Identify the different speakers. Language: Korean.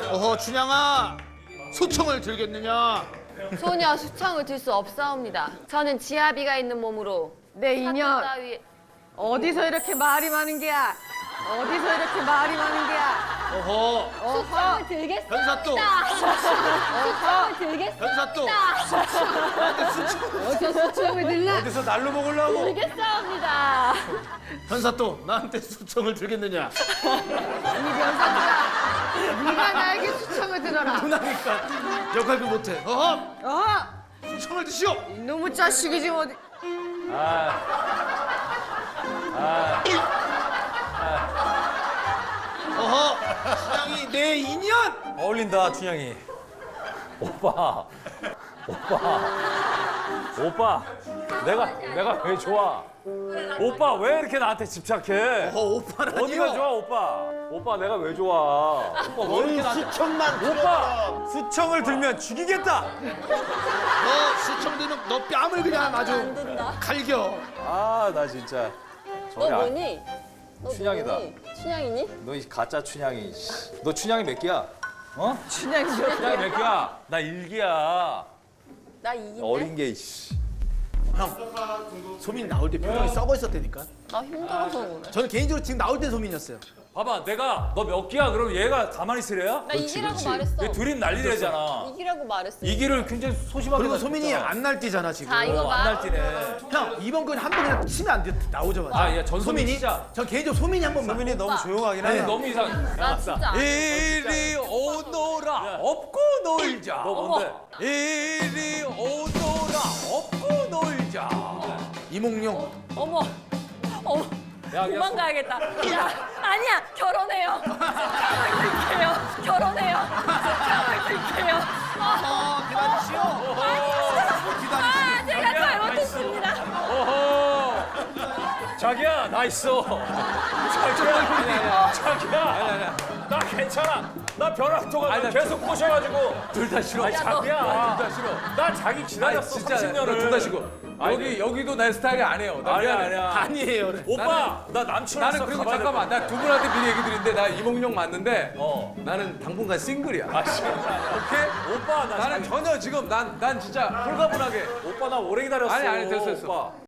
Speaker 1: 어허 춘향아 소총을 들겠느냐?
Speaker 2: 소녀 수청을 들 수 없사옵니다. 저는 지아비가 있는 몸으로
Speaker 3: 내 인연
Speaker 2: 따위
Speaker 3: 어디서 이렇게 말이 많은 게야? 어디서 이렇게 말이 많은 게야?
Speaker 1: 어허
Speaker 3: 어허
Speaker 2: 들겠습니다.
Speaker 1: 현사또
Speaker 2: 수청을 들겠습니다.
Speaker 1: 현사또 나한테 수총
Speaker 3: 어디서 수첩을 들라?
Speaker 4: 어디서 날로 먹으려고?
Speaker 2: 들겠사옵니다.
Speaker 1: 현사또 나한테 수총을 들겠느냐?
Speaker 3: 이 명사들아 네가 나에게 수첩을 들어라.
Speaker 1: 누나니까 역할도 못해. 어허
Speaker 3: 어허
Speaker 1: 수총을 드시오.
Speaker 3: 이놈의 자식이 지금 어디?
Speaker 1: 어허 춘향이 내 인연.
Speaker 4: 어울린다, 춘향이.
Speaker 5: 오빠, 내가 왜 좋아? 오빠 왜 이렇게 나한테 집착해?
Speaker 1: 어허 오빠라니요.
Speaker 5: 어디가 좋아, 오빠? 오빠 내가 왜 좋아? 오빠 왜 이렇게 나한테?
Speaker 1: 수총만
Speaker 5: 오빠,
Speaker 4: 수청을 들면 죽이겠다.
Speaker 1: 너 수총 들면 너 뺨을 그냥 아주 갈겨.
Speaker 5: 아, 나 진짜.
Speaker 2: 너
Speaker 5: 저기
Speaker 2: 뭐니? 너
Speaker 5: 춘향이다.
Speaker 2: 뭐니? 춘향이니?
Speaker 5: 너 이 가짜 춘향이. 씨. 너 춘향이 몇 개야? 어?
Speaker 3: 춘향이
Speaker 5: 춘향이 몇 개야? 나 일기야.
Speaker 2: 나 이긴데?
Speaker 5: 어린 게. 씨.
Speaker 1: 형 소민 나올 때 표정이 썩어 있었다니까.
Speaker 2: 나 힘들어서 그래.
Speaker 1: 저는 개인적으로 지금 나올 때 소민이었어요.
Speaker 5: 봐봐, 내가 너 몇 개야? 그럼 얘가 가만히 있으래야?
Speaker 2: 나 이기라고 말했어.
Speaker 5: 얘 둘이 난리래잖아.
Speaker 2: 이기라고 말했어.
Speaker 5: 이기를 굉장히 소심하게.
Speaker 1: 그리고 소민이
Speaker 5: 가졌잖아.
Speaker 1: 안 날뛰잖아 지금.
Speaker 2: 자 이거 봐.
Speaker 5: 안 날뛰네.
Speaker 1: 형 이번 건 한 번 그냥 치면 안 돼. 나오자마자.
Speaker 5: 아, 야, 전소민
Speaker 1: 소민이?
Speaker 5: 진짜.
Speaker 1: 저 개인적으로 소민이 한 번만.
Speaker 4: 소민이 너무 조용하긴 하네.
Speaker 5: 너무 이상해.
Speaker 2: 나 진짜.
Speaker 4: 이리 오너라 업고 놀자.
Speaker 5: 너 뭔데?
Speaker 4: 이리 오너라 업고 놀자.
Speaker 1: 이몽룡.
Speaker 2: 어머. 어머.
Speaker 5: 야,
Speaker 2: 도망가야겠다. 야, 아니야. 결혼해요. 결혼해요. 결혼해요. 결혼해요.
Speaker 1: 기다리시오.
Speaker 2: 아, 제가 잘못했습니다.
Speaker 5: 오호. 자기야, 나 있어. 자기야. 나 괜찮아. 나 벼락도가 계속 꼬셔가지고.
Speaker 4: 둘 다 싫어.
Speaker 5: 아니, 자기야.
Speaker 4: 둘 다 싫어.
Speaker 5: 나 자기 기다렸어.
Speaker 4: 진짜
Speaker 5: 30년을.
Speaker 4: 둘 다 싫어. 여기도 내 스타일이 아니에요. 나
Speaker 5: 아니야,
Speaker 4: 미안해.
Speaker 5: 아니야.
Speaker 1: 아니에요. 그래.
Speaker 5: 오빠, 나 남친
Speaker 4: 나는
Speaker 5: 없어.
Speaker 4: 그리고
Speaker 5: 가봐야
Speaker 4: 잠깐만, 나 두 분한테 미리 얘기 드리는데 나 이몽룡 맞는데
Speaker 5: 어.
Speaker 4: 나는 당분간 싱글이야.
Speaker 5: 아, 씨.
Speaker 4: 오케이?
Speaker 5: 오빠, 나
Speaker 4: 나는
Speaker 5: 자기-
Speaker 4: 전혀 지금 난 진짜 홀가분하게.
Speaker 5: 오빠 나 오래 기다렸어.
Speaker 4: 아니, 됐어.
Speaker 5: 오빠.